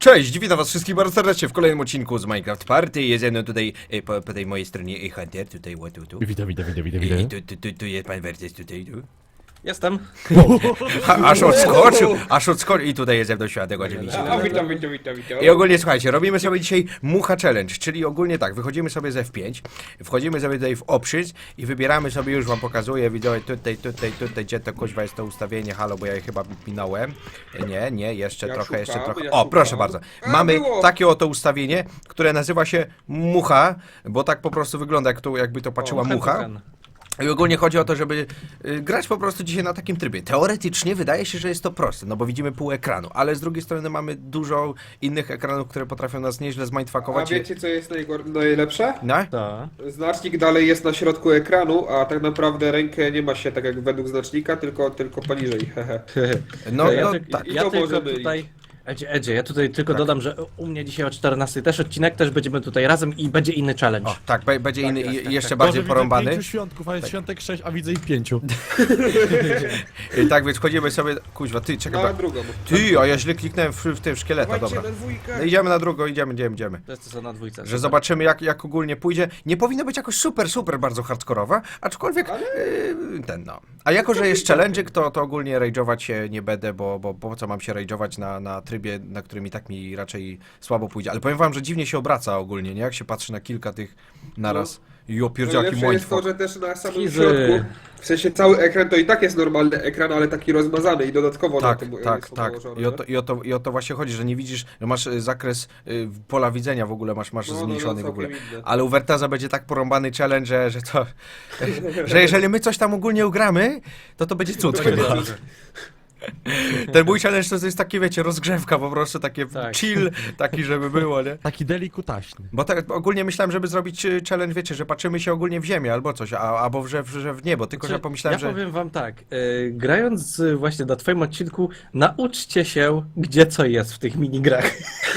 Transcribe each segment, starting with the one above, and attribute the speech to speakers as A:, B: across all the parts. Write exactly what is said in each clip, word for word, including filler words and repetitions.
A: Cześć, witam was wszystkich bardzo serdecznie w kolejnym odcinku z Minecraft Party. Jest ze mną tutaj, e, po, po tej mojej stronie e, Hunter, tutaj, o, tu, tu.
B: Witam, witam, witam, witam,
A: I
B: witam.
A: tu, tu, tu, tu jest pan Wertes, tutaj, tu.
C: Jestem.
A: Ha, aż odskoczył, aż odskoczył i tutaj jest ze mną Światek oczywiście.
D: A, witam, witam, witam, witam.
A: I ogólnie słuchajcie, robimy sobie dzisiaj Mucha Challenge, czyli ogólnie tak, wychodzimy sobie z F pięć, wchodzimy sobie tutaj w options i wybieramy sobie, już wam pokazuję, widzowie, tutaj, tutaj, tutaj, gdzie to kuźwa jest to ustawienie, halo, bo ja je chyba minąłem. Nie, nie, jeszcze
D: Ja
A: trochę,
D: szukam,
A: jeszcze trochę.
D: ja
A: O,
D: szukam.
A: proszę bardzo.
D: A,
A: Mamy
D: było.
A: takie oto ustawienie, które nazywa się Mucha, bo tak po prostu wygląda, jak to, jakby to patrzyła
C: O,
A: mucha.
C: hen.
A: I ogólnie chodzi o to, żeby y, grać po prostu dzisiaj na takim trybie. Teoretycznie wydaje się, że jest to proste, no bo widzimy pół ekranu, ale z drugiej strony mamy dużo innych ekranów, które potrafią nas nieźle
D: A
A: zmindfuckować.
D: wiecie co jest najgor- najlepsze?
A: No?
C: Ta.
D: Znacznik dalej jest na środku ekranu, a tak naprawdę rękę nie ma się tak jak według znacznika, tylko, tylko poniżej. hehe.
A: No,
C: ja
A: no
C: ty,
A: tak.
D: I
C: ja
D: to
C: tylko
D: może mylić.
C: tutaj... Edzie, Edzie, ja tutaj tylko
A: Tak.
C: dodam, że u mnie dzisiaj o czternastej też odcinek, też będziemy tutaj razem i będzie inny challenge.
A: O, tak, be- będzie inny,
D: tak,
A: i-
D: tak,
A: jeszcze
D: tak.
A: bardziej
B: Dobrze,
A: porąbany.
B: widzę pięciu świątków, a jest świątek sześć, a widzę ich pięciu.
A: I tak więc wchodzimy sobie. Kuźwa, ty, czekaj.
D: Na
A: ba-
D: drugą.
A: Ty, a ja źle kliknąłem w, w tym szkieleta,
D: Dawajcie
A: dobra.
D: na dwójkę.
A: No idziemy na drugą, idziemy, idziemy, idziemy.
C: To jest to co na dwójce.
A: Że
C: super.
A: zobaczymy jak, jak ogólnie pójdzie. Nie powinno być jakoś super, super bardzo hardkorowa, aczkolwiek
D: Ale-
A: yy, ten no. A jako, że jest challenge'ik, to, to ogólnie rage'ować się nie będę, bo, bo po co mam się rage'ować na, na trybie, na którym i tak mi raczej słabo pójdzie. Ale powiem wam, że dziwnie się obraca ogólnie, nie? Jak się patrzy na kilka tych naraz. Jo, pierdziaki
D: Najlepsze jest to,
A: mindfuck.
D: że też na samym
C: Kizy.
D: środku, w sensie cały ekran to i tak jest normalny ekran, ale taki rozmazany i dodatkowo
A: Tak,
D: na tym
A: tak,
D: są
A: tak.
D: nałożone,
A: I o, to, i, o to, I o to właśnie chodzi, że nie widzisz, że masz y, zakres y, pola widzenia w ogóle, masz, masz
D: No, no, no,
A: zmniejszony w ogóle.
D: całkiem inne.
A: Ale u Wertaza będzie tak porąbany challenge, że, że to. Że jeżeli my coś tam ogólnie ugramy, to to będzie cud
D: To
A: chyba.
D: będzie dobrze.
A: Ten mój challenge to jest takie, wiecie, rozgrzewka po prostu, takie
C: Tak.
A: chill, taki, żeby było, nie?
B: Taki delikutaśny.
A: Bo tak ogólnie myślałem, żeby zrobić y, challenge, wiecie, że patrzymy się ogólnie w ziemię albo coś, a, albo w, że, w, że w niebo, tylko że
C: Znaczy,
A: pomyślałem,
C: ja
A: że...
C: powiem wam tak, y, grając y, właśnie na twoim odcinku, nauczcie się, gdzie co jest w tych minigrach.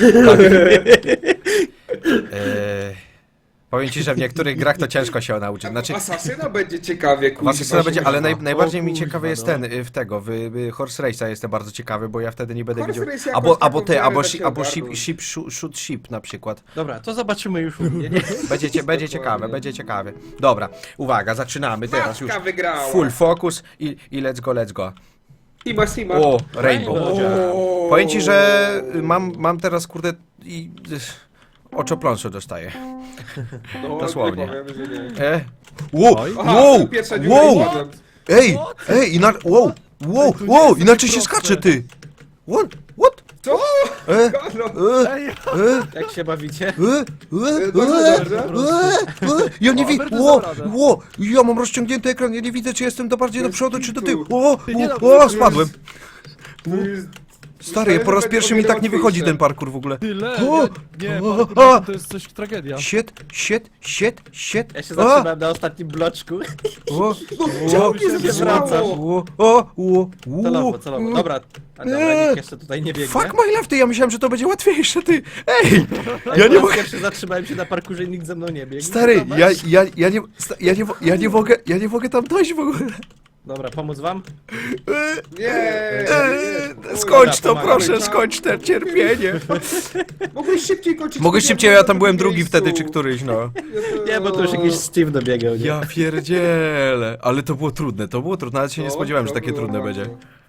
A: E, powiem ci, że w niektórych grach to ciężko się nauczyć, znaczy...
D: Asasyna będzie ciekawie, kuźwa.
A: Was scena będzie, ale naj,
D: kuźwa.
A: najbardziej
B: O
A: mi
B: kuźwa,
A: ciekawy jest
B: no.
A: ten, y, w tego, w, w Horse Race'a jestem bardzo ciekawy, bo ja wtedy nie będę
D: Horse
A: widział...
D: Race jakoś
A: Albo,
D: taką
A: albo ty,
D: miarę
A: albo,
D: da
A: shi,
D: się
A: albo ship,
D: ogarnąć.
A: ship, shoot, shoot ship na przykład.
C: Dobra, to zobaczymy już u mnie, nie?
A: Będzie, cie- będzie ciekawe,
D: Dokładnie.
A: będzie ciekawe. Dobra, uwaga, zaczynamy teraz już.
D: Matka wygrała.
A: Full focus i, i let's go, let's go.
D: Sima, Sima.
A: O, Rainbow.
D: O.
A: Powiem ci, że mam, mam teraz, kurde, i... oczopląsu dostaję.
D: No,
A: dosłownie.
D: nie powiem, że nie.
A: E? Wow,
B: Oj.
D: Aha,
A: wow,
D: pierwsza dziura
A: wow,
D: i padłem.
A: ej, ej, ina... wow, wow,
B: to nie
A: wow,
B: jest
A: inaczej się
B: proste.
A: skacze, ty. What, what?
D: Co?
A: E,
D: No,
A: e,
B: Ej,
A: e,
C: Jak się bawicie?
A: e, e, e,
D: Dobrze,
A: e, e, ja nie widzę,
B: Robert,
A: ło,
B: dasz radę.
A: ło, ja mam rozciągnięty ekran, ja nie widzę, czy jestem do bardziej do
D: Bez
A: przodu, czy do tyłu.
D: kitu.
A: O,
B: Ty nie
A: o,
B: no,
A: o, spadłem.
D: to jest...
A: Stary, ja po raz pierwszy mi tak nie wychodzi ten parkour w ogóle.
B: tyle,
A: O,
B: ja, nie,
A: o,
B: pan-
A: a.
B: to jest coś tragedia.
A: Shit, shit, shit, shit.
C: Ja się
A: A,
C: zatrzymałem na ostatnim bloczku.
A: o,
D: Czemu
A: o,
D: nie
C: się
D: zabrało?
C: wracasz?
A: o, o, o,
C: Celowo,
A: o.
C: celowo. Dobra, a dobra,
A: Eee.
C: nikt jeszcze tutaj nie biegnie.
A: Fuck my life, ty, ja myślałem, że to będzie łatwiejsze, ty. Ej,
C: Ej,
A: ja
C: po
A: nie
C: raz
A: mogę.
C: pierwszy zatrzymałem się na parkurze i nikt ze mną nie biegł.
A: Stary,
C: Zobacz.
A: ja, ja, ja nie, sta- ja nie, mo- ja nie mogę, ja nie mogę tam dojść w ogóle.
C: Dobra, pomóc wam?
D: Nie, nie,
A: Eee,
D: nie.
A: skończ to,
C: Dobra,
A: proszę,
D: pomagamy.
A: skończ te cierpienie.
D: Mogłeś szybciej kończyć.
A: Mogłeś szybciej, ja tam byłem drugi wtedy, czy
D: który?
A: któryś, no.
C: Nie, bo to już jakiś Steve dobiegał, nie?
A: Ja pierdzielę, ale to było trudne, to było trudne, ale się nie spodziewałem, że takie trudne będzie.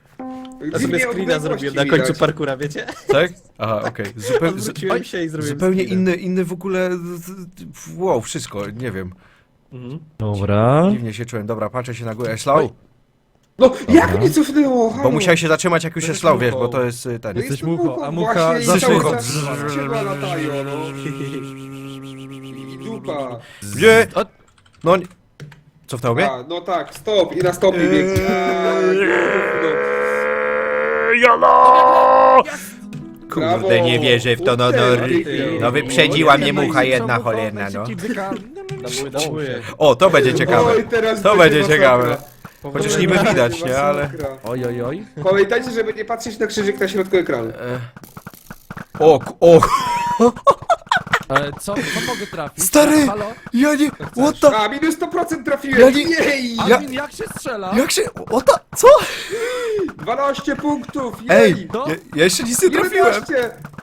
C: Ja sobie screena zrobiłem na końcu parkura, wiecie?
A: Tak? Aha, okej. Zupeł, zu,
C: Odwróciłem się i zrobiłem
A: zupełnie
C: screena.
A: inny, inny w ogóle, z- z- wow, wszystko, nie wiem.
C: Mhm.
B: Dobra.
A: Dziwnie się czułem, dobra, patrzę się na górę, slow.
D: No, jak mnie cofnęło?
A: Bo
D: Halo?
A: musiałeś się zatrzymać, jak już jest slow, wiesz, bo
D: muchą.
A: to jest y, ten.
D: No
B: Jesteś
D: jestem
B: muchą, a mucha
D: właśnie i
A: zawsze
D: cały
A: muchą.
D: czas skrzydła latają, no. I dupa.
A: Nie!
B: O-
A: No, nie- cofnął mnie?
D: A, no tak, stop i na stopie biegnie.
A: Jolo! Kurde,
D: Brawo.
A: nie wierzę w to, no, no,
D: Ty,
C: ty.
A: no wyprzedziła mnie mucha jedna cholerna, no.
C: Dabuję, dabuję.
A: O, to będzie ciekawe.
D: Oj, teraz
A: To będzie
D: masakra.
A: ciekawe. Chociaż niby widać, nie, ale...
D: Masakra.
B: Oj, oj, oj.
D: Pamiętajcie, żeby nie patrzeć na krzyżyk na środku ekranu.
A: O, ku- o,
B: Ale co, co mogę trafić?
A: Stary!
B: Halo?
A: ja nie... What the...
D: A, minus sto procent trafiłem!
A: Ja nie-
D: Jej!
A: Ja-
B: Admin, jak się strzela?
A: Jak się... What the... Co?
D: dwanaście punktów!
A: Ej,
D: Jej!
B: To?
A: ja, ja jeszcze nic nie trafiłem.
D: jedenaście!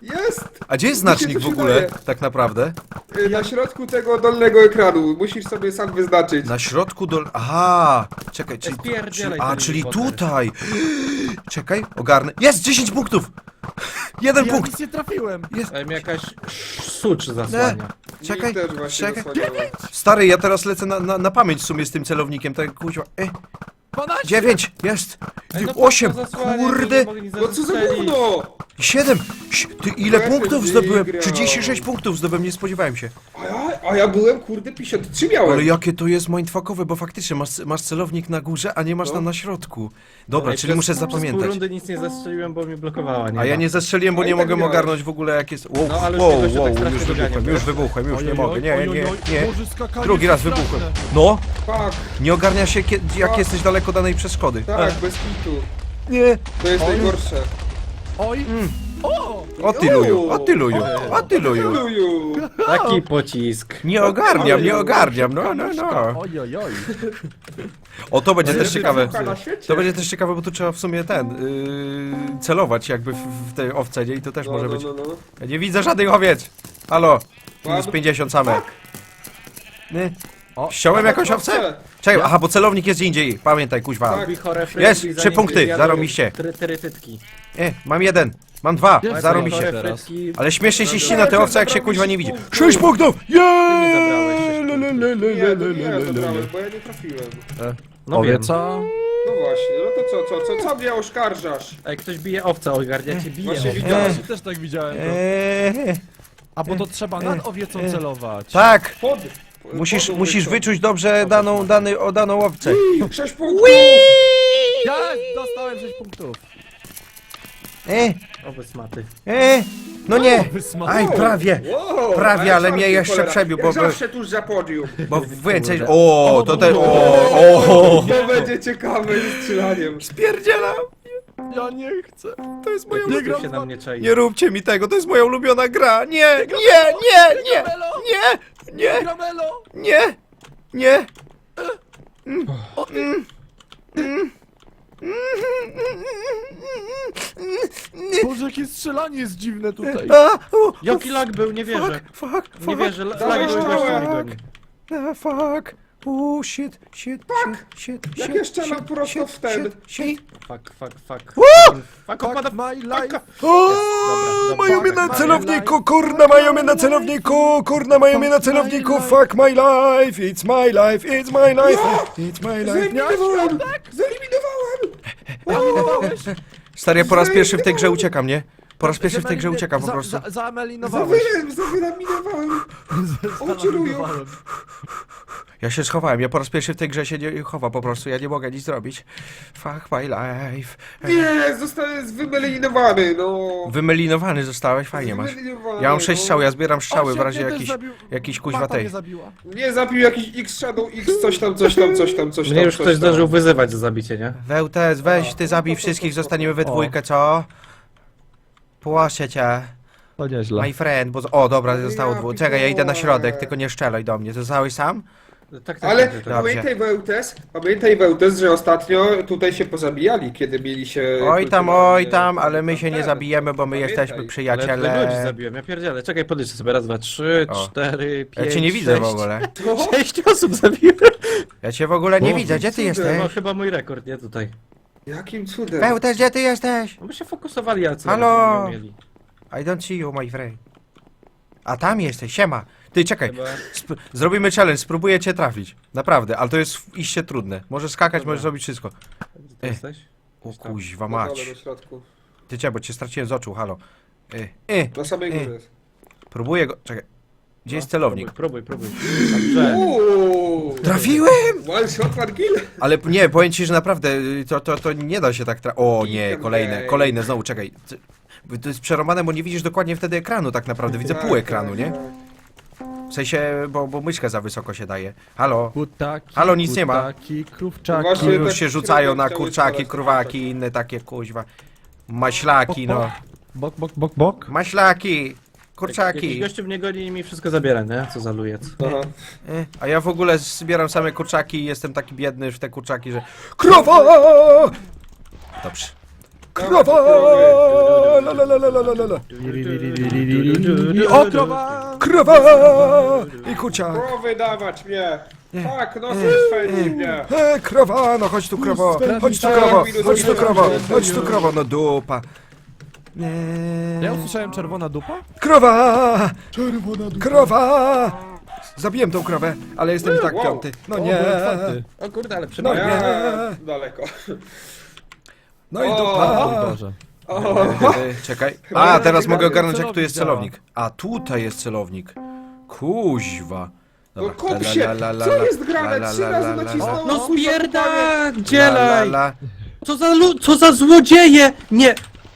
D: Jest!
A: A gdzie jest
D: Mi się
A: znacznik
D: coś
A: w ogóle,
D: wydaje.
A: tak naprawdę?
D: Y, Na środku tego dolnego ekranu. Musisz sobie sam wyznaczyć.
A: Na środku dol... Aha! Czekaj, czyli...
C: Spierdzielaj
A: czyli a,
C: ten
A: czyli
C: Potter.
A: tutaj! Czekaj, ogarnę. Jest! dziesięć punktów! Jeden
B: Ja
A: punkt!
B: nic nie trafiłem.
A: Jest!
C: Ale mi jakaś sucz zasłania.
A: Czekaj,
D: Mi też właśnie
A: czekaj.
D: zasłaniało.
A: Stary, ja teraz lecę na, na, na pamięć w sumie z tym celownikiem, tak kuźwa. E,
B: dwanaście!
A: dziewięć! Jest!
C: Ej, no
A: osiem!
C: po co zasłania,
A: Kurde!
C: nie mogli nic
D: No co za
C: zastrzelić.
D: gówno!
A: siedem! Ty ile
D: Ja się
A: punktów zdobyłem?
D: wygrał.
A: trzydzieści sześć punktów zdobyłem, nie spodziewałem się.
D: A ja, a ja byłem, kurde, pięćdziesiąt trzy miałem.
A: Ale jakie to jest mindfuckowe, bo faktycznie masz, masz celownik na górze, a nie masz
D: No.
A: tam na środku. Dobra,
C: Ej,
A: czyli
C: przez-
A: muszę
C: Przez pół
A: zapamiętać.
C: rundy nic nie zastrzeliłem, bo mi blokowała, nie
A: A ja
C: ma.
A: nie zestrzeliłem, bo
D: A i
A: nie
D: tak
A: mogłem
D: miałeś.
A: ogarnąć w ogóle jak jest... Wow,
C: No, ale już
A: wow,
C: mnie gościa
A: wow,
C: tak strasznie
A: już
C: dogania,
A: wybuchłem, już
C: wiesz?
A: wybuchłem, już nie
B: Ojojoj,
A: mogę, nie, nie,
B: ojojoj,
A: nie.
B: Boże, skakanie
A: Drugi raz
B: straszne.
A: wybuchłem. No,
D: Tak,
A: nie ogarnia się, kie- jak
D: A.
A: jesteś daleko danej przeszkody.
D: tak,
A: E,
D: bez kitu.
A: Nie,
D: To jest
B: Oj.
D: najgorsze.
B: Oj!
A: Mm.
B: O!
A: o ty luju, o ty luju, o ty luju.
D: Luju.
C: Taki pocisk.
A: Nie ogarniam, nie
D: Oj,
A: ogarniam, no, no, no.
B: Oj, oj, oj.
A: O, to będzie też
D: Najlepszy
A: ciekawe.
D: piłka na świecie.
A: To będzie też ciekawe, bo tu trzeba w sumie ten, yy, celować jakby w, w tej owce, nie? I to też
D: No,
A: może
D: no,
A: być.
D: no, no.
A: Ja nie widzę żadnych owiec. Halo, minus
D: Mam.
A: pięćdziesiąt same. Nie.
B: O,
A: Ściąłem jakąś owcę? Czekaj, aha, bo celownik jest gdzie indziej. Pamiętaj, kuźwa.
D: Tak.
C: Robi chore
A: Jest,
C: frytki,
A: trzy
C: zanim
A: punkty,
C: jadą
A: zarobiście.
C: try- Trytytki.
A: E, mam jeden, mam dwa,
B: Jest
A: zarobiście.
B: chore
C: Chore
B: teraz.
C: frytki.
A: Ale śmiesznie się
C: Dobra.
A: ścina te owce, jak się kuźwa nie widzi. sześć punktów!
C: zabrałeś sześć
A: Jeee!
C: punktów.
D: Nie, to nie ja zabrałem, bo ja nie trafiłem.
C: No wiem.
B: co?
D: No właśnie, no to co, co, co, co mnie oskarżasz?
C: Ej, ktoś bije owca, ogarniacie, bije
D: Właśnie
C: owca.
D: widziałem.
B: Ja też tak widziałem to.
A: Eee,
B: A bo to trzeba nad owiecą celować.
A: tak,
D: Pod.
A: musisz,
D: pod
A: musisz
D: ulicą.
A: wyczuć dobrze daną, dany, o daną owcę.
D: Sześć punktów!
B: Ja dostałem sześć punktów.
A: E,
C: Owoc maty.
A: e, no nie,
B: Wysma-
A: aj, prawie.
D: Wow,
A: Prawie, ale
D: czarny,
A: mnie jeszcze
D: cholera.
A: przebił,
D: Jak
A: bo-
D: zawsze tuż za podium.
A: Bo więcej, o, to te, o, o,
D: To będzie ciekawe z strzelaniem.
A: spierdzielam.
B: Ja nie chcę.
A: To jest moja
C: Nie
A: ulubiona...
C: gram się na mnie czai.
A: Nie róbcie mi tego, to jest moja ulubiona gra. Nie, nie, nie, nie, nie, nie,
B: Gramelo!
A: nie, nie.
B: Boże, jakie strzelanie jest dziwne tutaj.
A: A, u,
C: Jaki lag był, nie wierzę.
A: fuck, fuck, fuck.
C: Nie wierzę, lag
D: Dawaj,
C: był gościu
D: dawaj.
C: mnie goni.
A: A, fuck. O, shit, shit, shit, shit,
D: Jak
A: shit,
D: jeszcze
A: shit,
D: mam prosto
A: shit,
D: w ten.
A: shit, shit.
C: Fuck, fuck, fuck.
A: Woo!
C: Fuck, opada...
B: Fuck my life.
A: O,
C: Dobra, dobra.
A: mają mnie na
B: Fuck
A: celowniku, kurna, mają mnie na celowniku, kurna, mają mnie na celowniku, fuck my life, it's my life, it's my life, it's my life.
D: Zeliminowałem! Zeliminowałem!
B: Eliminowałeś?
A: Stary, ja po raz pierwszy w tej grze uciekam, nie? Po raz pierwszy w tej grze uciekam po
B: Za-
A: prostu.
B: za- Zamelinowałeś.
D: Zawyłem, zawylaminowałem!
B: Zamelinowałem.
A: Ja się schowałem, ja po raz pierwszy w tej grze się nie chowam po prostu, ja nie mogę nic zrobić. Fuck my life.
D: Nie, zostałem wymelinowany, no.
A: Wymelinowany zostałeś, fajnie masz.
D: Wymelinowany,
A: Ja mam sześć
D: no.
A: strzał, ja zbieram strzały w
B: Osiek
A: razie
B: mnie też
A: jakiś,
B: zabił.
A: jakiś kuźwa
B: Mata
A: tej.
B: mnie zabiła.
D: Nie, zabił jakiś X Shadow X, coś tam, coś tam, coś tam, coś tam.
C: Mnie już
D: coś
C: ktoś
D: tam.
C: zdążył wyzywać za zabicie, nie?
A: Wełtes, weź ty zabij wszystkich, zostaniemy we dwójkę, co? Płaszę cię,
B: To nieźle.
A: my friend, bo... O, dobra, zostało
D: Ja
A: dwóch. Czekaj, ja idę na
D: pitole.
A: środek, tylko nie strzelaj do mnie. Zostałeś sam?
C: Tak, tak,
D: Ale
C: tak, tak.
A: Dobrze.
D: pamiętaj Wełtes, pamiętaj Wełtes, że ostatnio tutaj się pozabijali, kiedy mieli się...
A: Oj tam,
D: kulturalnie-
A: oj tam, ale my się nie
D: ten.
A: zabijemy, bo my
D: Pamiętaj.
A: jesteśmy
C: Ale ludzi
A: przyjaciele.
C: zabiłem, ja pierdzielę. Czekaj, podliczę sobie. Raz, dwa, trzy,
A: O.
C: cztery, pięć,
A: Ja cię nie widzę w
C: sześć.
A: ogóle.
D: Co?
C: Sześć osób zabiłem.
A: Ja cię w ogóle nie
C: O,
A: widzę, gdzie ty
D: cudem.
A: jesteś?
C: No chyba mój rekord, nie tutaj.
D: Jakim cudem?
A: Wełtes, gdzie ty jesteś?
C: No by się fokusowali, a co
A: Halo?
C: nie mieli.
A: I don't see you, my friend. A tam jesteś, siema. Ty, czekaj,
C: Chyba...
A: sp zrobimy challenge, spróbuję cię trafić. Naprawdę, ale to jest iście trudne. Możesz skakać,
C: Dobra.
A: możesz zrobić wszystko.
C: Gdzie ty
A: E.
C: jesteś?
A: O
C: Gdzieś tam.
A: kuźwa
D: Na dole,
A: mać.
D: na środku.
A: Ty czekaj, bo cię straciłem z oczu, halo. Y, y,
D: Na samej
A: E.
D: górze jest.
A: próbuję go, czekaj. Gdzie jest
C: No,
A: celownik?
C: Próbuj, próbuj, próbuj. Dobrze.
D: Uuu!
A: Trafiłem!
D: One shot, one kill!
A: Ale nie, powiem ci, że naprawdę y, to, to, to nie da się tak tra... O nie,
D: Item
A: kolejne,
D: game.
A: kolejne, znowu, czekaj. Ty- To jest przerąbane, bo nie widzisz dokładnie wtedy ekranu tak naprawdę, widzę pół
D: Tak,
A: ekranu,
D: tak,
A: nie?
D: tak.
A: W sensie, bo, bo myszka za wysoko się daje. Halo?
B: Kutaki,
A: Halo, nic nie ma.
B: Kutaki,
D: No
B: krówczaki.
D: właśnie,
A: Już
D: tak
A: się rzucają na
D: chciałem
A: kurczaki,
D: spalać,
A: krówaki i inne takie kuźwa. Maślaki, no.
B: Bok, bok, bok, bok.
A: Maślaki,
C: Jakiś
A: kurczaki.
C: gościu mnie goni i mi wszystko zabiera, nie? Co za lujec.
D: Aha.
A: E, A ja w ogóle zbieram same kurczaki i jestem taki biedny w te kurczaki, że... Krowa! Dobrze. Krowa! La, la, la, la, la, la, la.
B: O, krowa!
A: Krowa! I kurczak.
D: Krowy dawać mnie! Tak, no
A: Mm.
D: spędzi mnie!
A: E, krowa, no chodź tu krowo, chodź tu krowo, chodź tu krowo, chodź tu krowo, no dupa. Nie.
B: Ja usłyszałem czerwona dupa?
A: Krowa! Krowa! Zabiłem tą krowę, ale jestem i tak
D: Wow.
A: piąty. No
B: O,
A: nie.
B: byłem czwarty.
C: O kurde, ale
A: No
C: przepraszam.
A: nie.
D: Ja, daleko.
A: No i
D: O.
B: O
A: dupa.
B: Boże.
D: O,
A: Czekaj. A, teraz mogę ogarnąć, jak
B: Celownik
A: tu jest
B: działa.
A: celownik. A, tutaj jest celownik. Kuźwa.
D: no
A: Dobra.
D: kop
A: La,
D: się!
A: la, la, la,
D: Co
A: la,
D: jest
A: la,
D: grane?
A: la,
D: Trzy
A: la,
D: razy
A: la, la,
D: nacisnąłem.
C: No
D: kuźwa, panie.
A: La, la,
C: spierdzielaj!
A: la.
C: Co za lu... co za złodzieje! Nie!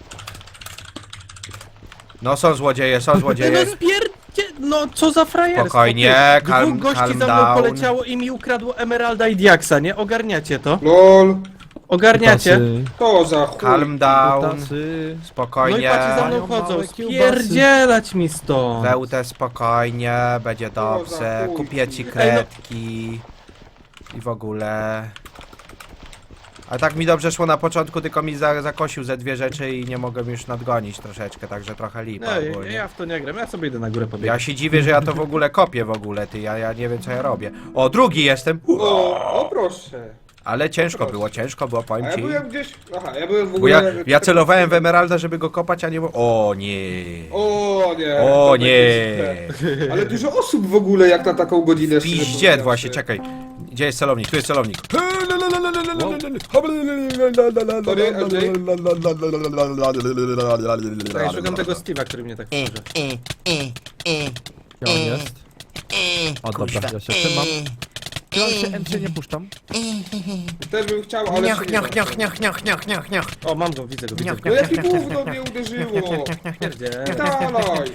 A: No są złodzieje, są
C: No
A: złodzieje.
C: spierdzie... No co za frajerstwo!
A: Spokojnie,
C: ty.
A: calm-
C: Dwóch gości
A: calm
C: za mną
A: down.
C: poleciało i mi ukradło Emeralda i Diaksa, nie? Ogarniacie to?
D: Lol.
C: Ogarniacie?
B: Kutasy.
D: To za chuj.
A: Calm down.
B: Kutasy.
C: No i
A: Spokojnie.
C: patrzcie za mną
B: Mają
C: chodzą,
B: małe kiełbasy.
C: spierdzielać mi stąd!
A: Wełtę spokojnie, będzie
D: To za
A: dobrze.
D: chuj.
A: Kupię ci
C: Ej, no.
A: kredki. I w ogóle. A tak mi dobrze szło na początku, tylko mi za, zakosił ze dwie rzeczy i nie mogłem już nadgonić troszeczkę, także trochę lipa
C: Nie, ja,
A: ogólnie.
C: ja w to nie gram, ja sobie idę na górę pobiegać.
A: Ja się dziwię, że ja to w ogóle kopię w ogóle, ty, ja, ja nie wiem co ja robię. O, drugi jestem!
D: O, o proszę.
A: Ale ciężko
D: Proszę.
A: było, ciężko było,
D: A
A: powiem
D: ja
A: ci.
D: byłem gdzieś... Aha, ja byłem w
A: Bo
D: ogóle...
A: ja, ja celowałem w Emeralda, żeby go kopać, a nie... O nie!
D: O nie.
A: O
D: to
A: nie!
D: będzie źle. Ale dużo osób w ogóle jak na taką godzinę. szczerze
A: Piździet
D: powiedziawszy.
A: właśnie, czekaj. Gdzie jest celownik? Tu jest celownik.
C: Ja szukam tego Steve'a, który mnie tak wkurza.
B: Gdzie on jest? O dobra, ja się trzymam. Ja się M C nie puszczam.
D: Też bym chciał, ale
A: Niach,
D: się nie
A: niach,
D: da.
A: niach, niach, niach, niach, niach, niach.
C: O, mam go, widzę go, widzę go.
D: No jakie gówno mnie uderzyło!
C: Pierdzielaj.
D: Dalej!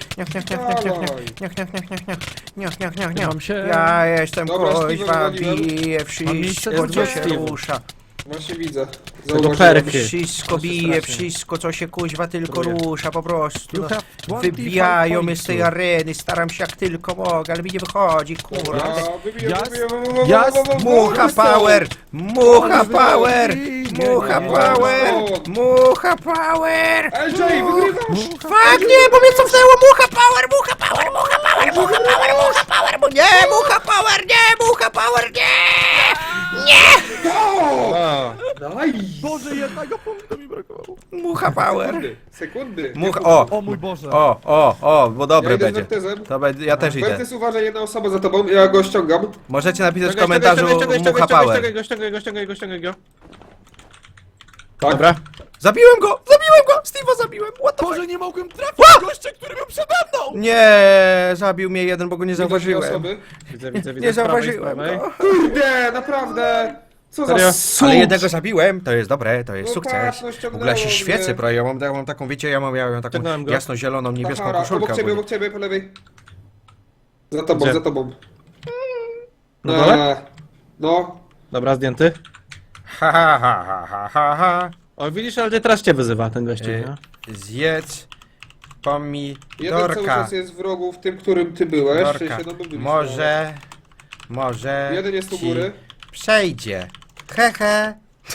D: Dalej!
B: Trzymam się.
A: Ja jestem
D: Dobra,
A: kuźwa,
D: Steve'a
A: bije
B: Mam miejsce
A: wszystko, co
B: na
A: się
C: Steve'u.
A: rusza.
D: Właśnie widzę.
C: Tego
D: Zauważyłem.
C: perky.
A: Wszystko bije, wszystko, co się kuźwa tylko
C: Próbuję.
A: rusza, po prostu.
B: You
A: No.
B: have twenty-five
A: Wybijają mnie z tej
B: pointsów.
A: areny, staram się jak tylko mogę, ale mi nie wychodzi,
D: Dobra,
A: kurwa.
D: wybiję,
B: Jas-
D: wybiję,
B: jas-
A: Mucha power! Mucha power! Mucha
B: nie,
A: power! Mucha power!
D: L J, wygrywasz!
A: Fuck, nie, bo mnie cofnęło! Mucha power! Mucha power! Mucha power! Mucha power! Mucha power! mu- Nie! Mucha power! Nie! Mucha power! Nie!
C: O,
D: Daj!
B: Boże, jednego punktu mi brakowało.
A: Mucha power!
D: Sekundy, sekundy.
A: Mucha... O!
B: O mój Boże.
A: O, o, o, bo
D: Ja
A: dobre
D: idę z
A: będzie.
D: Wertezem.
A: To będzie, ja też idę.
D: Wertes, uważaj, jedna osoba za tobą, ja go ściągam.
A: Możecie napisać w
C: ściągaj,
A: komentarzu
C: ściągaj, ściągaj,
A: Mucha
C: ściągaj,
A: power.
C: ściągaj go, ściągaj go, ściągaj go, ściągaj go.
D: Tak?
C: Dobra.
A: Zabiłem go! Zabiłem go! Steve'a zabiłem! What the fuck?
B: Boże, nie mogłem trafić gościa, który był przede mną!
A: Nie, zabił mnie jeden, bo go nie
D: Widzę dwie
A: zauważyłem.
D: osoby.
C: Widzę, widzę, widzę.
A: Nie
C: z prawej, z
A: zauważyłem
C: prawej.
A: go.
D: Kurde, naprawdę! Co za
C: Serio?
D: sucz!
A: Ale jednego zabiłem, to jest dobre, to jest
D: No
A: sukces.
D: tak, no
A: W ogóle ja się
D: ściągnęło
A: świecę,
D: mnie.
A: bro, ja mam, ja mam taką, wiecie, ja mam, ja mam taką
C: Ściągnąłem go.
A: jasno-zieloną, niebieską
D: Sahara,
A: koszulkę.
D: obok ciebie,
A: ogólnie.
D: obok ciebie, po lewej. Za tobą,
C: Gdzie?
D: za tobą.
C: Na dole?
D: Eee, No.
C: Dobra, zdjęty.
A: Ha, ha, ha, ha, ha, ha, ha.
C: O, widzisz, ale teraz cię wyzywa ten gościu,
A: Y,
C: nie?
A: Zjedz
D: Jeden cały
A: pomidorka.
D: czas jest w rogu, w tym, którym ty byłeś. W
A: Dorka.
D: sensie, no, my byliśmy,
A: Może, może
D: ale- Jeden jest u
A: ci
D: góry.
A: przejdzie. Hehe.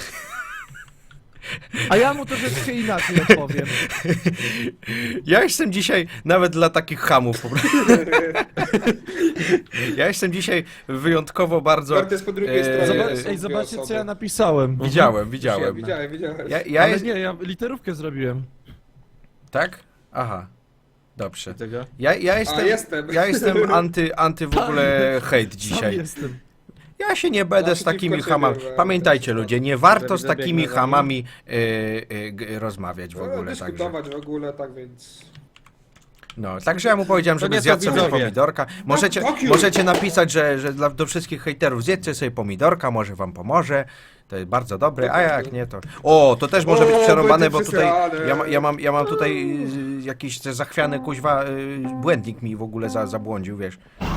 B: A ja mu troszeczkę inaczej odpowiem.
A: Ja jestem dzisiaj nawet dla takich chamów po prostu. Ja jestem dzisiaj wyjątkowo bardzo...
D: Wertes po drugiej
A: Eee,
D: stronie.
B: Zobacz,
D: są
B: ej,
D: dwie
B: zobaczcie co
D: osoby.
B: ja napisałem.
A: Widziałem, widziałem.
D: Widziałem, widziałem.
A: Ja, ja
B: Ale
A: jest...
B: nie, ja literówkę zrobiłem.
A: Tak? Aha. Dobrze.
C: Widzę go.
A: Ja, ja jestem...
D: jestem.
A: Ja jestem anty, anty w ogóle hejt
B: Sam
A: dzisiaj.
B: jestem.
A: Ja się nie będę z
D: Naprzeciwko
A: takimi
D: ciebie,
A: hamami.
D: we-
A: Pamiętajcie ludzie, nie warto z
C: Widzę,
A: takimi
C: biegnę za nim.
A: hamami y, y, g- rozmawiać w
D: No,
A: ogóle. Także.
D: dyskutować w ogóle, tak więc...
A: No, także ja mu powiedziałem,
C: To
A: żeby
C: nie
A: zjadł
C: są
A: sobie
C: widzowie.
A: pomidorka. Możecie,
D: fuck you.
A: możecie napisać, że, że dla, do wszystkich hejterów zjedzcie sobie pomidorka, może wam pomoże. To jest bardzo dobre, a jak nie to... O, to też może
D: O,
A: być przerąbane,
D: będzie
A: bo tutaj
D: przesrane.
A: ja, ma- ja, mam, ja mam tutaj y, jakiś te zachwiany kuźwa y, błędnik mi w ogóle za, zabłądził, wiesz.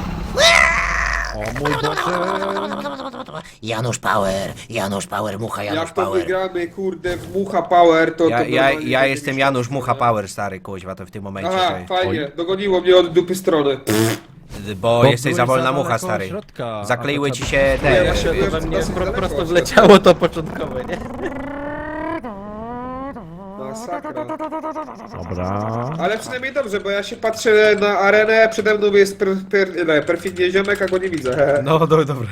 B: O mój Boże.
E: Janusz Power, Janusz Power, mucha Janusz
D: Jak to
E: Power.
D: wygramy, kurde, w Mucha Power, to...
A: Ja,
D: to
A: ja,
D: normalnie
A: ja
D: będzie
A: jestem
D: mieć
A: Janusz
D: szansę,
A: Mucha
D: nie?
A: Power, stary kuźwa, to w tym momencie.
D: Aha,
A: to-
D: fajnie, dogoniło mnie od dupy strony.
A: Bo, jesteś
B: byłeś
A: za wolna
B: daleko
A: mucha,
B: od
A: stary.
B: środka,
A: Zakleiły
B: a to
A: ci
B: trzeba-
A: się
C: Nie,
A: te...
C: właśnie
D: ja
C: to we
D: dosyć
C: mnie
D: daleko
C: pro, prosto
D: jestem.
C: wleciało to początkowe, nie?
D: No, Masakra.
B: Dobra.
D: Ale przynajmniej dobrze, bo ja się patrzę na arenę, przede mną jest per, per, nie, perfidnie ziomek, a go nie widzę.
A: No, do, dobre.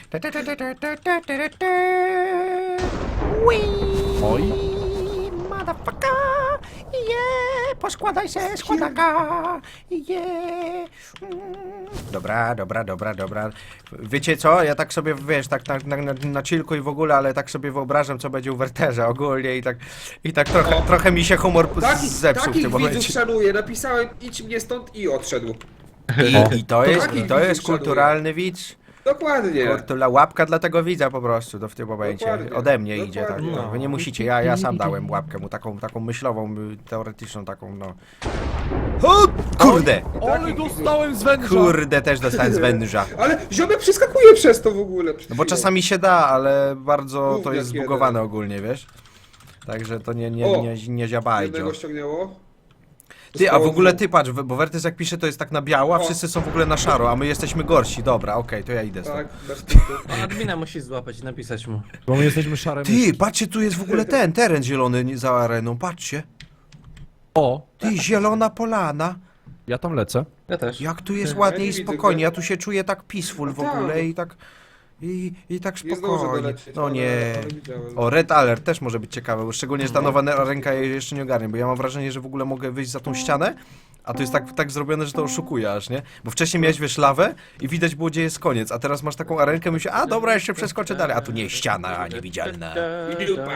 B: Oj.
E: Motherfucker, yeah, poskładaj się, składaka, yeah.
A: Dobra, dobra, dobra, dobra. Wiecie co? Ja tak sobie, wiesz, tak na, na, na, na chillku i w ogóle, ale tak sobie wyobrażam, co będzie u Werterza ogólnie i tak, i tak trochę,
D: O.
A: trochę mi się humor
D: Taki,
A: zepsuł w
D: takich
A: tym
D: widzów
A: momencie.
D: szanuję, napisałem idź mnie stąd i odszedł.
A: I, i to jest,
D: takich
A: i to jest
D: widzów szanuję.
A: kulturalny widz.
D: Dokładnie.
A: Kurtula łapka dla tego widza po prostu to w tym momencie.
D: Dokładnie,
A: Ode mnie idzie, tak.
D: dokładnie.
A: No. Wy nie musicie, ja, ja sam dałem łapkę mu, taką, taką myślową, y, teoretyczną, taką, no. O, kurde!
B: Ale dostałem z węża.
A: Kurde, też dostałem z węża.
D: Ale ziomek przeskakuje przez to w ogóle. przed
A: No bo
D: chwilą.
A: czasami się da, ale bardzo to
D: Gówniak
A: jest
D: jeden.
A: zbugowane ogólnie, wiesz? Także to nie, nie,
D: O,
A: nie, nie ziabajdzie.
D: Jednego ściągnęło.
A: Ty, a w
D: Zostało
A: ogóle
D: dwóch.
A: ty patrz, bo Wertys jak pisze to jest tak na biało, a
D: O.
A: wszyscy są w ogóle na szaro, a my jesteśmy gorsi. Dobra, okej, to ja idę stąd.
D: Tak, bez kitu.
C: A admina musi złapać i napisać mu.
B: Bo my jesteśmy szare
A: Ty,
B: myszki.
A: patrzcie, tu jest w ogóle ten teren zielony nie- za areną, patrzcie.
B: O,
A: Ty, zielona polana.
B: ja tam lecę.
C: Ja też.
A: Jak tu jest
D: Ja
A: ładnie
D: nie
A: i
D: widzę
A: spokojnie,
D: go.
A: ja tu się czuję tak peaceful w
D: No tak.
A: ogóle i tak... I, i tak
D: Nie zdążę
A: spokojnie.
D: dolecieć,
A: No
D: ale-
A: nie.
D: ale widziałem.
A: O, Red Alert też może być ciekawe, bo szczególnie, że ta nowa ne- ręka jej jeszcze nie ogarnie, bo ja mam wrażenie, że w ogóle mogę wyjść za tą ścianę, a to jest tak, tak zrobione, że to oszukuje aż, nie? Bo wcześniej miałeś, wiesz, lawę i widać było, gdzie jest koniec, a teraz masz taką arenkę i myślisz, a dobra, jeszcze przeskoczę dalej, a tu nie, ściana niewidzialna.
D: I dupa.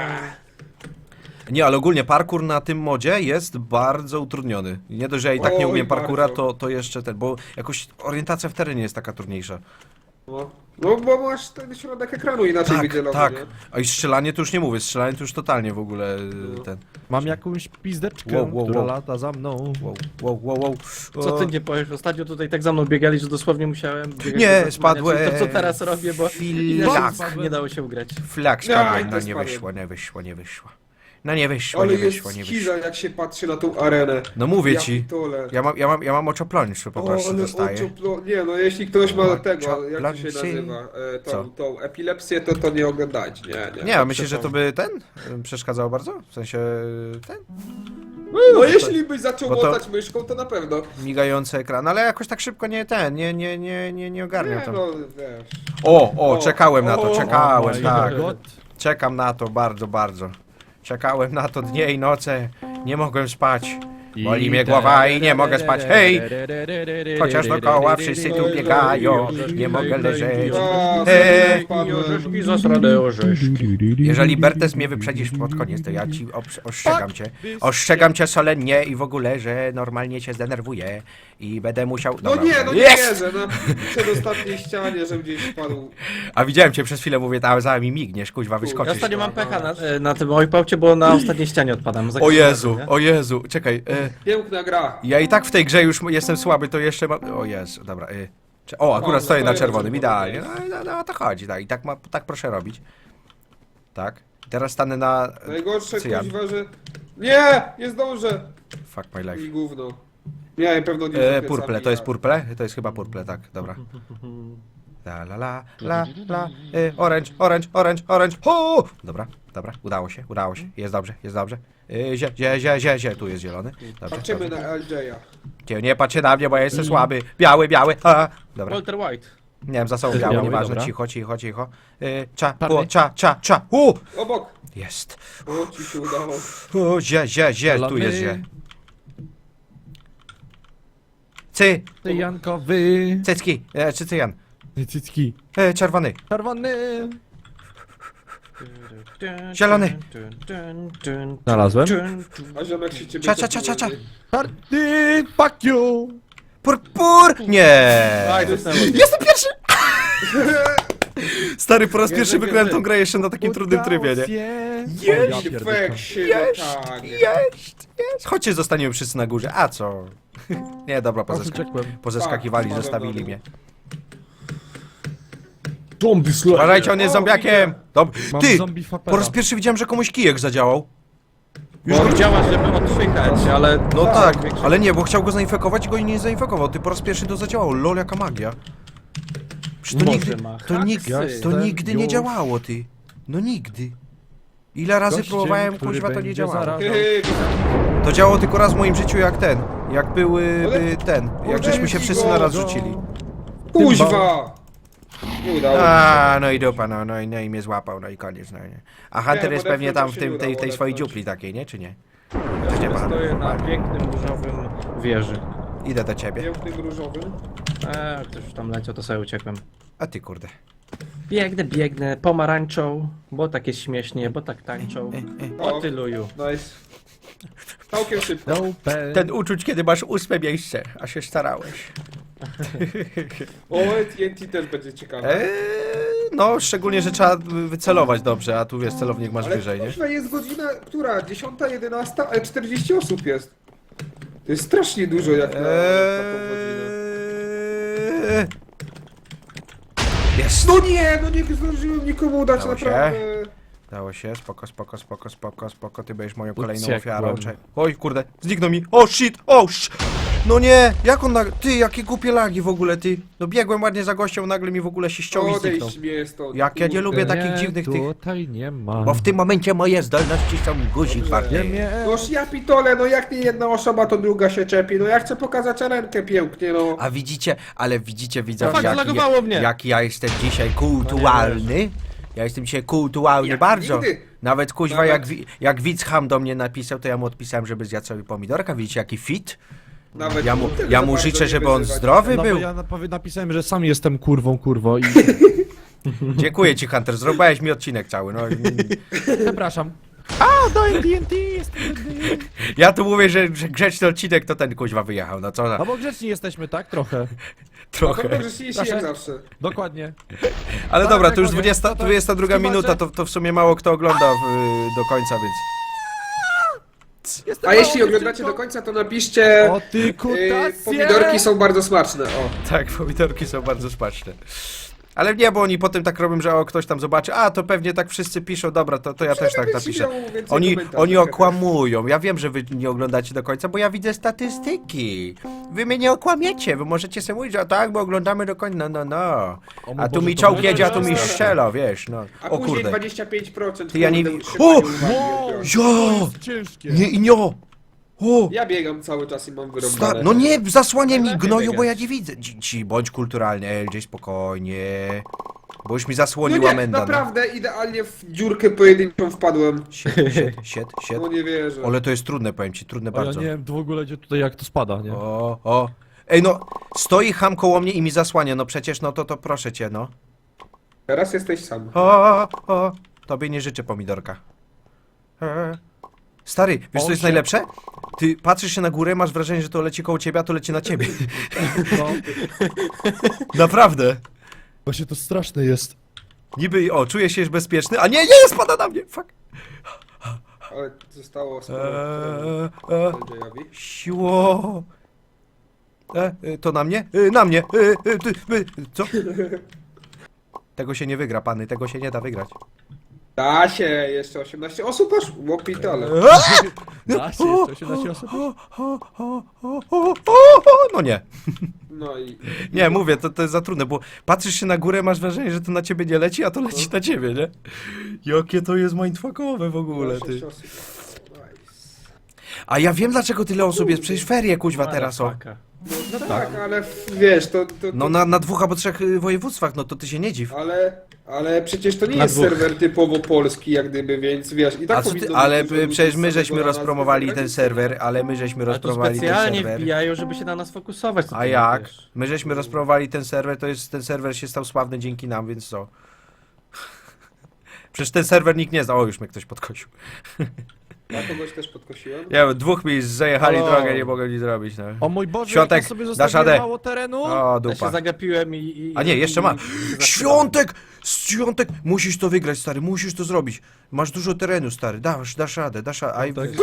A: Nie, ale ogólnie parkour na tym modzie jest bardzo utrudniony. Nie dość, że ja i tak nie
D: Oj,
A: umiem parkoura,
D: bardzo.
A: to, to jeszcze ten, bo jakoś orientacja w terenie jest taka trudniejsza.
D: No. no bo masz ten środek ekranu inaczej
A: Tak,
D: wydzielony,
A: tak.
D: nie?
A: A i strzelanie to już nie mówię, strzelanie to już totalnie w ogóle y,
D: No.
A: ten...
B: Mam jakąś pizdeczkę,
A: Wow, wow,
B: która
A: wow.
B: lata za mną.
A: Wow, wow, wow, wow.
C: Co
A: O,
C: ty nie powiesz? Ostatnio tutaj tak za mną biegali, że dosłownie musiałem biegać
A: Nie,
C: do zasłania,
A: spadłem.
C: czyli To co teraz robię, bo
A: Filak.
C: nie dało się ugrać.
A: Flak
D: Ja,
A: spadłem,
D: i
A: no
D: to
A: nie
D: spadłem.
A: wyszło, nie wyszło, nie wyszło. No nie wyszło,
D: Ale
A: nie
D: jest
A: wyszło, nie
D: skiza,
A: wyszło.
D: jak się patrzy na tą arenę.
A: No mówię
D: Ja
A: ci,
D: pitole.
A: ja mam, ja mam, ja mam oczoplończy po
D: O,
A: prostu
D: ale
A: dostaję.
D: oczoplo... Nie, no jeśli ktoś ma
A: Oczo-
D: tego, jak to się
A: plansy.
D: nazywa, e,
A: Co?
D: tą, tą epilepsję, to to nie oglądajcie, nie, nie.
A: Nie, a myślisz, że to by ten y, przeszkadzało bardzo? W sensie ten?
D: No jeśli byś zaczął
A: bo to-
D: łotać myszką, to na pewno.
A: Migający ekran, ale jakoś tak szybko nie ten, nie, nie, nie, nie, nie ogarniam
D: Nie,
A: tam.
D: no wiesz.
A: O, o,
D: O,
A: czekałem na to,
D: o,
A: czekałem,
B: my
A: tak.
B: God.
A: Czekam na to bardzo, bardzo. Czekałem na to dnie i noce, nie mogłem spać. Boli mnie głowa i nie mogę spać. Hej! Chociaż dookoła wszyscy tu biegają, nie mogę leżeć.
D: A,
A: Eee.
C: Orzeszki, zasrane orzeszki.
A: Jeżeli Bertes mnie wyprzedzisz pod koniec, to ja ci obs- ostrzegam cię. Ostrzegam cię solennie i w ogóle, że normalnie cię zdenerwuję i będę musiał...
D: No
A: Dobra,
D: nie, no nie
A: jest!
D: wierzę, na przedostatniej ścianie, że gdzieś spadł.
A: A widziałem cię przez chwilę, mówię, tam za mi migniesz, kuźwa,
C: Ja
A: wyskoczysz.
C: ostatnio mam pecha na, e, na tym ojpałcie, bo na ostatniej ścianie odpadam. Za
A: O
C: każdym
A: Jezu,
C: razem, nie?
A: o Jezu, czekaj. E,
D: Piękna gra.
A: ja i tak w tej grze już jestem słaby, to jeszcze mam... O Jezu, dobra. E, cze- o, akurat
D: O,
A: stoję na
D: stoję na
A: czerwonym,
D: czerwonym.
A: idealnie. No, no, no o to chodzi, tak. I tak, ma, tak proszę robić. Tak. Teraz stanę na...
D: Najgorsze
A: cyjan.
D: kuźwa, że... Nie, nie zdążę.
A: Fuck my life.
D: I gówno. Nie, pewno nie
A: E,
D: zapiecami,
A: purple, to jest
D: ja-
A: purple? To jest chyba purple, tak, dobra. La la la, la la, e, orange, orange, orange, orange, ho! Dobra, dobra, udało się, udało się, jest dobrze, jest dobrze. E, zie, zie, zie, zie, zie, tu jest zielony. Dobrze,
D: Patrzymy
A: dobrze.
D: na L J a.
A: Cie- Nie patrzcie na mnie, bo ja jestem słaby. Biały, biały, a. Dobra,
C: Walter White.
A: nie wiem, za sobą biały,
B: Biały,
A: nieważne,
B: dobra.
A: cicho, cicho, cicho. E, cza,
B: Czarny.
A: o, cza, cza, cza, u!
D: Obok.
A: Jest.
D: O, ci się udało.
A: O, zie, zie, zie, tu
B: Zielony.
A: jest zie. Cy,
B: Ty Jankowy.
A: cycki, e, czy cyjan?
B: Cycki.
A: E, czerwony.
B: Czerwony.
A: Zielony.
B: Znalazłem.
D: A ziomek się ciebie...
A: Cza, cza, cza, cza, cza.
B: Czarny, fuck you.
A: Pur, pur! Nie!
C: Aj, dostałem.
A: Jestem pierwszy! Stary, po raz
D: Nie,
A: pierwszy
D: nie,
A: wygrałem
D: nie.
A: tą grę jeszcze na takim trudnym trybie, nie?
B: Jest.
D: Fek się,
A: Jest,
D: no tak.
A: jest, jest. Chodźcie, zostaniemy wszyscy na górze. A co? Nie, dobra, pozeska
B: Uciekłem.
A: pozeskakiwali,
D: Tak,
A: zostawili
D: spadłem
A: mnie.
B: Zombie slayer.
A: Uważajcie, on jest
D: O,
A: zombiakiem! Dob
B: Mam
A: Ty!
B: zombie fapera.
A: Po raz pierwszy widziałem, że komuś kijek zadziałał.
C: Już go działa, żeby odpychać, ale...
A: No tak,
C: większość-
A: ale nie, bo chciał go zainfekować i go nie zainfekował. Ty po raz pierwszy to zadziałało. Lol, jaka magia. Przecież to
C: Może
A: nigdy,
C: ma
A: to, nigdy,
C: haksy.
A: to nigdy nie
B: Już.
A: działało, ty. No nigdy. Ile razy
B: Gościem,
A: próbowałem,
B: który
A: kuźwa, to nie
B: będzie
A: działało.
B: zarażał.
D: Hej,
A: To działało tylko raz w moim życiu jak ten. Jak były
D: Ale-
A: by ten. Jak żeśmy się wszyscy na raz rzucili.
D: kuźwa! Nie udało mi się.
A: A, no i dupa, no, no, i, no i mnie złapał, no i koniec, no nie. A Hunter
D: bo
A: jest pewnie
D: odepchnąć
A: tam w
D: się
A: tym,
D: nie
A: tej,
D: udało,
A: tej swojej
D: odepchnąć.
A: dziupli takiej, nie? Czy nie?
C: Ja
A: nie ma.
C: stoję na pięknym różowym wieży.
A: Idę do ciebie.
D: Pięknym różowym.
C: Eee, ktoś już tam leciał, to sobie uciekłem.
A: A ty kurde.
C: Biegnę, biegnę, pomarańczą, bo tak jest śmiesznie, bo tak tańczą. O ty luju.
D: Nice. Całkiem szybko.
B: No, pen.
A: Ten uczuć, kiedy masz ósme miejsce, a się starałeś.
D: O, T N T też będzie ciekawe.
A: Eee, no, szczególnie, że trzeba wycelować dobrze, a tu wiesz, celownik masz
D: Ale
A: wyżej, nie?
D: kuźwa, jest godzina, która? dziesiąta, jedenasta, ale czterdzieści osób jest. To jest strasznie dużo jak na, na taką godzinę.
A: Eee... Jest!
D: No nie, no nie zdążyłem nikomu dać,
A: Dało się?
D: naprawdę.
A: Dało się, spoko, spoko, spoko, spoko, spoko, ty będziesz moją kolejną
B: Uciekłem.
A: ofiarą. Cze- Oj, kurde, zniknął mi. O, shit, o, sz... No nie, jak on, na... ty, jakie głupie lagi w ogóle, ty. No biegłem ładnie za gościem, nagle mi w ogóle się ściął i zniknął.
D: Odejdź mnie stąd.
A: Jak ja nie
D: kurde.
A: lubię takich
B: Nie,
A: dziwnych tych...
B: tutaj nie ma.
A: Bo w tym momencie moje zdolności są guzik
D: Dobrze.
A: warte.
B: Nie, nie.
D: Noż ja pitole, no jak nie jedna osoba, to druga się czepi. No ja chcę pokazać rękę pięknie, no.
A: A widzicie, ale widzicie, widzę,
C: Fakt,
A: jak,
C: zlagowało mnie.
A: jak ja jestem dzisiaj kultualny. Ja jestem dzisiaj kultualny
D: Jak
A: bardzo.
D: nigdy.
A: Nawet kuźwa,
D: Nawet-
A: jak, wi- jak widz ham do mnie napisał, to ja mu odpisałem, żeby zjadł sobie pomidorka. Widzicie, jaki fit?
D: Nawet
A: Ja mu,
D: tego
A: ja
D: za
A: mu
D: bardzo
A: życzę,
D: nie
A: żeby on
D: wyzywać.
A: zdrowy
B: No bo
A: był.
B: ja napowie- napisałem, że sam jestem kurwą, kurwo i
A: Dziękuję ci, Hunter, zrobiłeś mi odcinek cały. No. mm.
B: przepraszam. A, daj D N T, jest
A: Ja tu mówię, że, że grzeczny odcinek to ten kuźwa wyjechał. No co za...
B: No bo grzeczni jesteśmy, tak? Trochę.
A: Trochę.
D: No dobrze, się
B: Proszę.
D: jak zawsze.
B: Dokładnie.
A: Ale
B: Tak,
A: dobra,
B: tak,
A: to już
B: panie.
A: dwudziesta,
B: No to
A: dwudziesta druga
B: chyba,
A: minuta,
B: że-
A: to, to w sumie mało kto ogląda w, do końca, więc...
B: Jestem
D: A jeśli
B: małą
D: oglądacie
B: dziewczynką.
D: do końca, to napiszcie...
B: O ty
D: Yy,
B: kutacje!
D: pomidorki są bardzo smaczne, o.
A: Tak, pomidorki są bardzo smaczne. Ale nie, bo oni potem tak robią, że o, ktoś tam zobaczy, a to pewnie tak wszyscy piszą, dobra, to, to ja też tak
D: Będziecie
A: napiszę.
D: miał więcej
A: Oni,
D: komentarzy.
A: oni okłamują. Ja wiem, że wy nie oglądacie do końca, bo ja widzę statystyki. Wy mnie nie okłamiecie, wy możecie sobie mówić, że tak, bo oglądamy do końca, no, no, no.
B: O mój
A: A tu
B: Boże,
A: mi
B: to
A: czołg
B: będzie
A: jedzie, a tu mi
B: straszne.
A: strzela, wiesz, no.
D: A
A: O
D: później
A: kurde.
D: dwadzieścia pięć procent.
A: Ty, ja nie
D: kurde,
A: wi-
D: utrzymanie
A: O!
D: uwagi
B: Wow!
D: odbiorcy.
A: Jo!
B: To jest ciężkie.
A: Nie, i nio! O!
D: Ja biegam cały czas i mam
A: Sta-
D: wyrąbane.
A: no nie, zasłaniaj mi
C: Najlepiej
A: gnoju, bo ja
C: biegać.
A: nie widzę. Ci, ci bądź kulturalny, L J, spokojnie. Bo już mi
D: No
A: zasłoniła
D: nie,
A: menda.
D: naprawdę idealnie w dziurkę pojedynczą wpadłem.
A: Sied, sied, sied, sied.
D: No nie wierzę.
A: Ale to jest trudne, powiem ci, trudne
B: O, ja
A: bardzo.
B: nie wiem w ogóle gdzie tutaj jak to spada, nie?
A: O, o. Ej, no, stoi ham koło mnie i mi zasłania, no przecież, no to, to proszę cię, no.
D: Teraz jesteś sam.
A: O, o, tobie nie życzę pomidorka. E. Stary, wiesz co
B: O,
A: jest
B: się-
A: najlepsze? Ty patrzysz się na górę, masz wrażenie, że to leci koło ciebie, a to leci na ciebie.
B: No,
A: Naprawdę.
B: właśnie to straszne jest.
A: Niby, o, czuję się już bezpieczny, a nie, nie, spada na mnie, fuck.
D: Ale zostało sporo.
A: Eee, e,
D: L J-owi.
A: siło. E, e, to na mnie? E, na mnie. E, e, ty, e, co? Tego się nie wygra, pany, tego się nie da wygrać.
D: Da się, jeszcze osiemnaście osób aż? Łopitale.
B: Da się, jeszcze osiemnaście osób.
A: No nie.
D: No i...
A: Nie, mówię, to, to jest za trudne, bo patrzysz się na górę, masz wrażenie, że to na ciebie nie leci, a to leci na ciebie, nie? Jakie to jest mindfuckowe w ogóle, ty.
D: sześć osób. Nice.
A: A ja wiem, dlaczego tyle osób jest, przecież ferie, kuźwa, teraz, o.
C: Motherfucker.
D: No, no tak, ale w- wiesz, to... to, to
A: No na, na dwóch albo trzech y, województwach, no to ty się nie dziw.
D: Ale, ale przecież to nie
C: Na
D: jest
C: dwóch.
D: serwer typowo polski, jak gdyby, więc wiesz, i tak
A: A co ty,
D: powinno
A: ale
D: być dużo
A: y, przecież
D: ludzi
A: my
D: z
A: żeśmy
D: samego
A: rozpromowali
D: nazwy
A: ten
D: zagranicy.
A: serwer, ale my żeśmy
C: Ale tu
A: rozpromowali ten
C: specjalnie
A: serwer.
C: wbijają, żeby się na nas fokusować. co
A: A
C: ty
A: jak?
C: mówisz?
A: My żeśmy rozpromowali ten serwer, to jest, ten serwer się stał sławny dzięki nam, więc co? Przecież ten serwer nikt nie zna. O, już mnie ktoś podkosił.
D: Ja kogoś też podkosiłem.
A: Ja, dwóch mi zajechali
B: Halo.
A: drogę, nie mogę nic zrobić, no.
B: O mój Boże,
A: Świątek,
B: jak ja sobie
A: dasz
B: zostawiłem
A: radę.
B: mało terenu.
A: O,
C: Ja
A: dupa.
C: się zagapiłem i... i
A: A nie, jeszcze
C: i-
A: ma.
C: i- i- i-
A: Świątek! Świątek! Musisz to wygrać, stary, musisz to zrobić. Masz dużo terenu, stary, dasz, dasz radę, dasz radę. Aj,
B: Tak,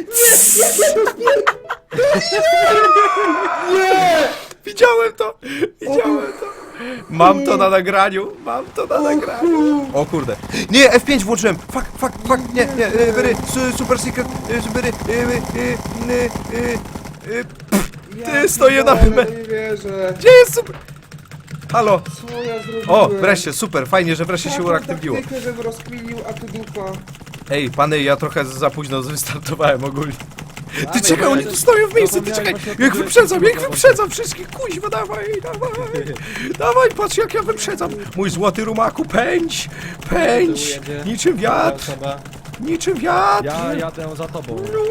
A: widziałem to! Widziałem to! Mam to na nagraniu, mam to na nagraniu. O kurde. Nie, F pięć włączyłem! Fuck, fuck, fuck, nie, nie, y, wyry, su- super secret, y, wyry, y, y, y, y, y, y, pff, Ty, stoję na
D: Ale
A: me...
D: nie wierzę.
A: Gdzie jest super... Halo!
D: Co ja zrobiłem?
A: O, wreszcie, super, fajnie, że wreszcie się
D: Taką
A: uaktywniło.
D: taktykę, żebym rozkminił, a tu dupa.
A: Ej, pany, ja trochę za późno wystartowałem ogólnie. Ty
B: Dawaj,
A: czekaj,
B: dawaj,
A: oni tu stoją w miejscu, ty
B: zapomniałem
A: czekaj!
B: właśnie o
A: Jak
B: tym,
A: wyprzedzam,
B: że-
A: jak wyprzedzam wszystkich, kuźwa, dawaj, dawaj! Dawaj, patrz jak ja wyprzedzam! Mój złoty rumaku, pędź! Pędź!
C: Tu jedzie.
A: Niczym wiatr!
C: Osoba.
A: Niczym wiatr!
B: Ja jadę za tobą.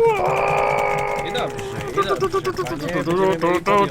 C: I dobrze, i dobrze. Panie, będziemy mieli podium,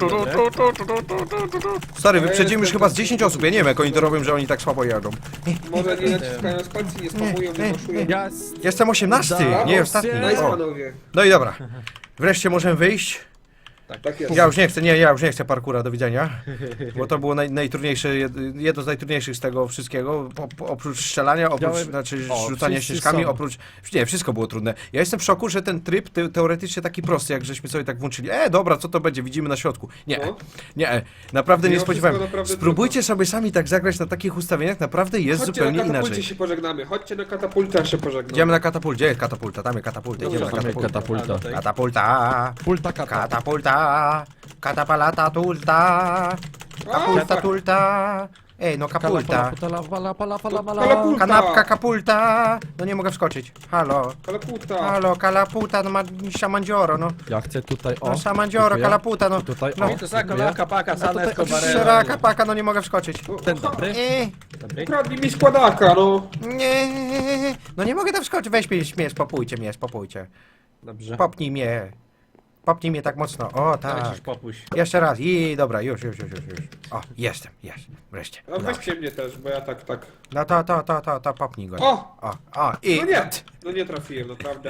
C: dobre?
A: Stary,
D: Ja
A: wyprzedzimy już
D: jestem
A: chyba z
D: taki-
A: dziesięć osób, ja nie wiem jak oni to robią, że oni tak słabo jadą.
D: Może nie naciskają spacji, nie spamują, nie maszują.
B: Ja...
A: Jestem osiemnasty,
B: Brawo,
A: nie ostatni.
D: Nice,
A: O.
D: panowie.
A: No i dobra. Wreszcie możemy wyjść.
D: Tak jest.
A: Ja już nie chcę, nie, ja już nie chcę parkura, do widzenia. Bo to było naj, najtrudniejsze, jed- jedno z najtrudniejszych z tego wszystkiego. Po, po, oprócz strzelania, oprócz,
B: Widziałem-
A: znaczy
B: o,
A: rzucania
B: wszyscy
A: śnieżkami,
B: są.
A: oprócz... Nie, wszystko było trudne. Ja jestem w szoku, że ten tryb te, teoretycznie taki prosty, jak żeśmy sobie tak włączyli. E, dobra, co to będzie, widzimy na środku. Nie,
D: No.
A: nie, naprawdę nie
D: Mimo
A: spodziewałem.
D: wszystko naprawdę
A: Spróbujcie sobie sami tak zagrać na takich ustawieniach, naprawdę jest
D: Chodźcie
A: zupełnie
D: na katapulcie
A: inaczej.
D: się pożegnamy. Chodźcie na katapultę się pożegnamy.
A: Idziemy na katapultę, gdzie jest katapulta? Tam jest katapulta, idziemy na
D: Dobra,
B: Mamy
A: katapultę.
B: katapulta.
A: Katapulta,
B: Pulta kata.
A: katapulta, katapalata tulta, kapulta
D: fuck.
A: tulta. Ej, no kapulta.
B: Pala, pala, pala, pala, pala.
D: Kalapulta.
A: Kanapka, kapulta. No nie mogę wskoczyć. Halo,
D: Kalaputa.
A: halo, kalaputa, no ma samandzioro, no.
B: Ja chcę tutaj, o.
A: No samandzioro,
B: dziękuję.
A: kalaputa, no.
B: Tutaj,
A: No.
B: o.
C: To za
B: dziękuję.
C: kolaka, paka, sane,
B: tutaj
C: escobarera.
A: Szeraka paka, no nie mogę wskoczyć.
B: Ten dobry.
A: Ej,
C: Dobry.
D: Ukradli mi składaka, no.
A: nie, no nie mogę tam wskoczyć. Weź mnie, mnie, spopójcie mnie, spopójcie.
C: Dobrze.
A: Popnij mnie. Popnij mnie tak mocno. O,
C: Dawaj
A: tak.
C: już popuść.
A: Jeszcze raz. I dobra, już, już, już, już. już. O, jestem, jest. Wreszcie.
D: A
A: Udało się.
D: weźcie mnie też, bo ja tak, tak.
A: No to, to, to, to, to popnij go.
D: O!
A: O, o, i...
D: No nie, no nie trafiłem, naprawdę.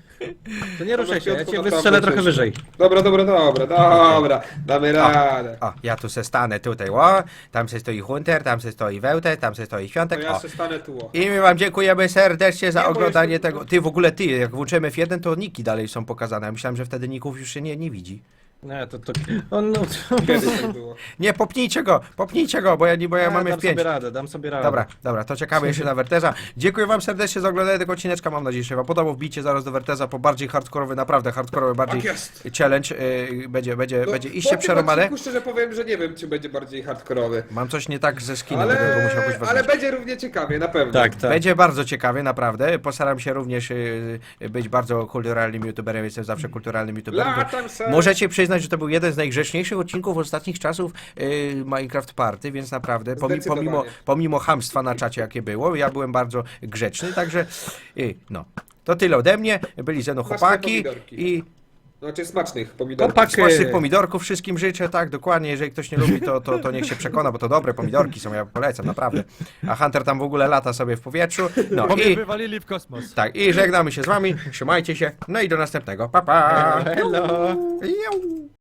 C: To nie ruszaj się, ja cię
D: Piotku,
C: wystrzelę
D: naprawdę
C: trochę
D: coś.
C: wyżej.
D: Dobra, dobra, dobra, dobra. Damy radę.
A: O, ja tu se stanę tutaj, o. Tam se stoi Hunter, tam se stoi Wełte, tam se stoi
D: To
A: Świątek,
D: ja
A: o.
D: se stanę tu. o.
A: I my wam dziękujemy serdecznie za
D: Nie, bo
A: oglądanie
D: jeszcze-
A: tego. Ty, w ogóle ty, jak włączymy F jeden, to niki dalej są pokazane. Ja myślałem, że wtedy ników już się nie, nie widzi.
C: Nie, to to... On, no,
D: Kiedyś tak było.
A: Nie, popnijcie go, popnijcie go, bo ja, nie- bo ja mam
C: dam
A: F pięć.
C: sobie radę, dam sobie radę.
A: Dobra, dobra, to czekamy jeszcze na Werteza. Dziękuję wam serdecznie za oglądanie tego odcineczka. Mam nadzieję, że się wam podobał. Wbijcie zaraz do Werteza po bardziej hardkorowy, naprawdę hardkorowy, bardziej
D: Tak jest.
A: challenge. Yy, będzie, będzie,
D: No,
A: będzie
D: po
A: iście
D: tym
A: przerobane.
D: odcinku szczerze powiem, że nie wiem, czy będzie bardziej hardkorowy.
A: Mam coś nie tak ze skinem,
D: Ale,
A: będę go musiał jakoś
D: ale
A: wezwać.
D: będzie równie ciekawie, na pewno.
C: Tak, tak.
A: Będzie bardzo ciekawie, naprawdę. Postaram się również yy, być bardzo kulturalnym youtuberem. Jestem zawsze kulturalnym youtuberem.
D: Latam se.
A: Możecie przyznać, że to był jeden z najgrzeczniejszych odcinków ostatnich czasów yy, Minecraft Party, więc naprawdę, pomi,
D: Zdecydowanie.
A: pomimo, pomimo chamstwa na czacie, jakie było, ja byłem bardzo grzeczny, także yy, no. To tyle ode mnie. Byli ze mną
D: Smaczne
A: chłopaki
D: pomidorki.
A: i
D: Znaczy smacznych pomidorów.
C: Chłopaki.
A: smacznych pomidorków wszystkim życzę, tak, dokładnie. Jeżeli ktoś nie lubi, to, to, to niech się przekona, bo to dobre pomidorki są, ja polecam, naprawdę. A Hunter tam w ogóle lata sobie w powietrzu. No
B: Bo mnie
A: i
B: wywalili w kosmos.
A: tak, i żegnamy się z wami, trzymajcie się, no i do następnego. Pa, pa!
C: Hello.
A: Jau.